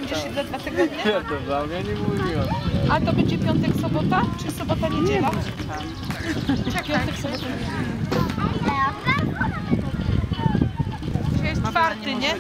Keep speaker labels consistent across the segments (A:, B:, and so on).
A: Będziesz się za 2 tygodnie?
B: Ja to wam, ja nie mówiłem.
A: A to będzie piątek, sobota? Czy sobota, niedziela? Piątek, sobota, niedziela. Dzisiaj jest 4, nie?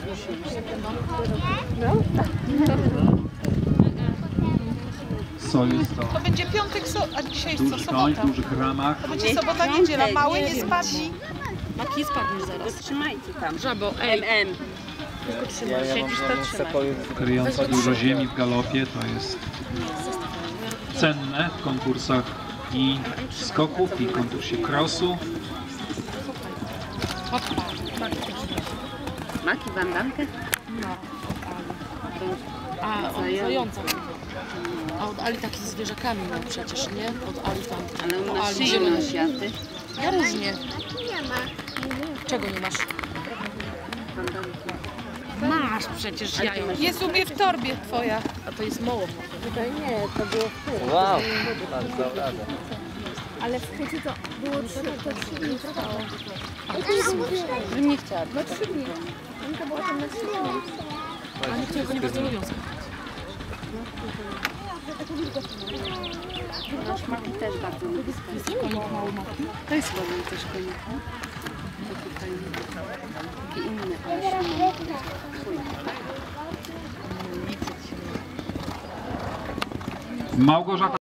C: Co jest to?
A: To będzie piątek, a dzisiaj jest co?
C: Duży koń w
A: Sobota.
C: dużych ramach.
A: To będzie sobota, niedziela. Mały nie spadnie.
D: Maki, spadniesz zaraz. Trzymajcie tam.
A: Żabo,
D: MM.
B: Ja mam sepoju.
C: Kryjąca dużo ziemi w galopie, to jest cenne w konkursach i skoków, i konkursie crossu.
D: Maki, bandankę?
E: A, od zająca. A od Ali taki z zwierzakami miał przecież, nie? Od Ali tam.
D: Ale
E: o
D: on na
E: Ali
D: szyję
E: zielony.
D: ma światy.
E: Ja różnie. Czego nie masz?
D: Bandanki.
E: Masz przecież jajo.
A: Jest u mnie w torbie twoja.
E: A to jest mało.
B: Wow, bardzo radę.
F: Ale w Hucie to było 3 dni trwało.
E: Nie chciałam.
F: No 3 dni. To było tam na 3 dni.
E: A niektórzy go nie bardzo lubią.
D: Nasz Maki też bardzo lubi skakać.
E: Konik mały ma.
D: To jest ładny też konik. To tutaj taki inny, ale się
C: Małgorzata